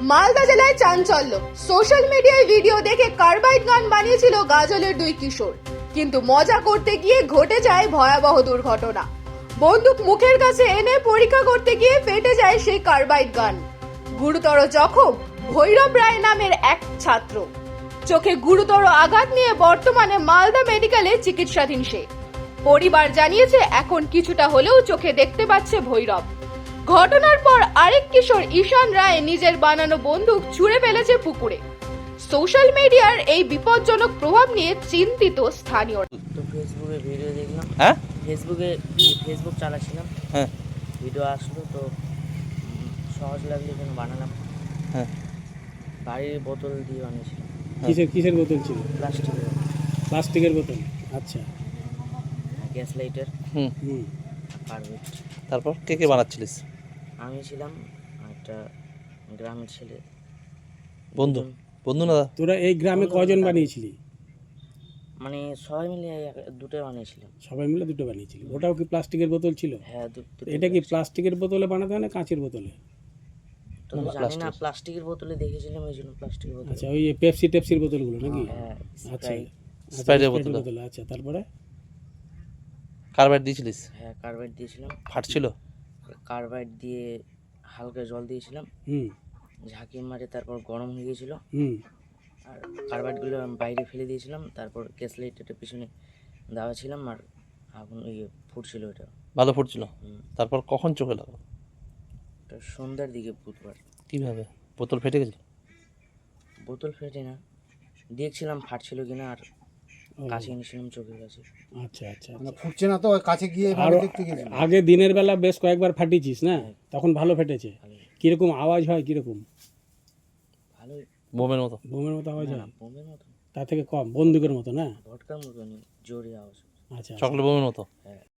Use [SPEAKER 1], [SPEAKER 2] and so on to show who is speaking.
[SPEAKER 1] মালদা জেলায় চাঞ্চল্য। সোশ্যাল মিডিয়ায় ভিডিও দেখে কার্বাইড গান বানিয়েছিল গাজলের দুই কিশোর, কিন্তু মজা করতে গিয়ে ঘটে যায় ভয়াবহ দুর্ঘটনা। বন্দুক মুখের কাছে এনে পরীক্ষা করতে গিয়ে ফেটে যায় সেই কার্বাইড গান। গুরুতর জখম ভৈরব রায় নামের এক ছাত্র। চোখে গুরুতর আঘাত নিয়ে বর্তমানে মালদা মেডিকেলে চিকিৎসাধীন সে। পরিবার জানিয়েছে এখন কিছুটা হলেও চোখে দেখতে পাচ্ছে ভৈরব। ঘটনার পর আরেক কিশোর ঈশান রায় নিজের বানানো বন্দুক ছুঁড়ে ফেলেছে পুকুরে। সোশ্যাল মিডিয়ার এই বিপজ্জনক প্রভাব নিয়ে চিন্তিত স্থানীয়রা।
[SPEAKER 2] তো ফেসবুকে ভিডিও দেখলাম।
[SPEAKER 3] হ্যাঁ
[SPEAKER 2] ফেসবুক চালাচ্ছিলাম,
[SPEAKER 3] হ্যাঁ
[SPEAKER 2] ভিডিও আসলো তো সহজ লাগলো যেন বানালাম।
[SPEAKER 3] হ্যাঁ
[SPEAKER 2] বাড়ির বোতল দিয়ে বানিয়েছিলাম,
[SPEAKER 4] কিসের বোতল ছিল?
[SPEAKER 2] প্লাস্টিকের,
[SPEAKER 4] প্লাস্টিকের বোতল। আচ্ছা।
[SPEAKER 2] গ্যাস লাইটার,
[SPEAKER 3] হুম
[SPEAKER 4] হুম।
[SPEAKER 2] কার্বেট।
[SPEAKER 3] তারপর কে কে বানাচ্ছিলিস?
[SPEAKER 2] আমি ছিলাম আর একটা গ্রামের ছেলে।
[SPEAKER 3] বন্ধু
[SPEAKER 2] দুজন,
[SPEAKER 3] বন্ধু না?
[SPEAKER 4] তোরা এই গ্রামে কজন বানিয়েছিলি?
[SPEAKER 2] মানে সবাই মিলে দুটো বানিয়েছিলাম।
[SPEAKER 4] সবাই মিলে দুটো বানিয়েছিলি। ওটাও কি প্লাস্টিকের বোতল ছিল?
[SPEAKER 2] হ্যাঁ, দুটো।
[SPEAKER 4] এটা কি প্লাস্টিকের বোতলে বানাতে হয় না কাঁচের বোতলে?
[SPEAKER 2] তো জানি না, প্লাস্টিকের বোতলে দেখেছিলাম এই জন্য প্লাস্টিকের বোতল।
[SPEAKER 4] আচ্ছা, ওই পেপসি টেপসির বোতলগুলো নাকি?
[SPEAKER 2] হ্যাঁ,
[SPEAKER 4] আচ্ছা,
[SPEAKER 3] স্প্রাইটের
[SPEAKER 4] স্প্রাইটের
[SPEAKER 3] বোতল।
[SPEAKER 4] বোতল। আচ্ছা, তারপরে?
[SPEAKER 3] কার্বাইড দিয়েছিলিস?
[SPEAKER 2] হ্যাঁ, কার্বাইড দিয়েছিলাম।
[SPEAKER 3] ফাটছিল?
[SPEAKER 2] কার্বাইড দিয়ে হালকা জল দিয়েছিলাম,
[SPEAKER 4] হুম
[SPEAKER 2] ঝাঁকি মারে, তারপর গরম হয়ে গিয়েছিল।
[SPEAKER 4] হুম।
[SPEAKER 2] আর কার্বাইডগুলো বাইরে ফেলে দিয়েছিলাম, তারপর গ্যাস লাইটারটা পিছনে দেওয়া ছিলাম, আর আগুন ফুটছিল ওটা।
[SPEAKER 3] ভালো ফুটছিল? তারপর কখন চোখে লাগলো?
[SPEAKER 2] ওটা সন্ধ্যার দিকে, বুধবার।
[SPEAKER 3] কিভাবে? বোতল ফেটে গেছিল?
[SPEAKER 2] বোতল ফেটে না, দেখছিলাম ফাটছিল কিনা, আর কাছে এনেছিলাম চোখের কাছে।
[SPEAKER 4] আচ্ছা আচ্ছা।
[SPEAKER 5] মানে ফুটছে না তো, ওই কাছে গিয়ে
[SPEAKER 4] আর
[SPEAKER 5] দেখতে গেছিল।
[SPEAKER 4] আগে দিনের বেলা বেশ কয়েকবার ফাটিয়েছিস না? তখন ভালো ফেটেছে?
[SPEAKER 2] ভালোই,
[SPEAKER 4] কিরকম আওয়াজ হয়? কিরকম?
[SPEAKER 2] ভালোই।
[SPEAKER 3] বোমের মতো?
[SPEAKER 4] বোমের মতো আওয়াজ
[SPEAKER 2] না,
[SPEAKER 4] হয়?
[SPEAKER 2] বোমের মতো,
[SPEAKER 4] তার থেকে কম, বন্দুকের মতো না?
[SPEAKER 2] ভটকার মতো জোরে আওয়াজ।
[SPEAKER 4] আচ্ছা।
[SPEAKER 3] চকলেট বোমের মতো?
[SPEAKER 2] হ্যাঁ।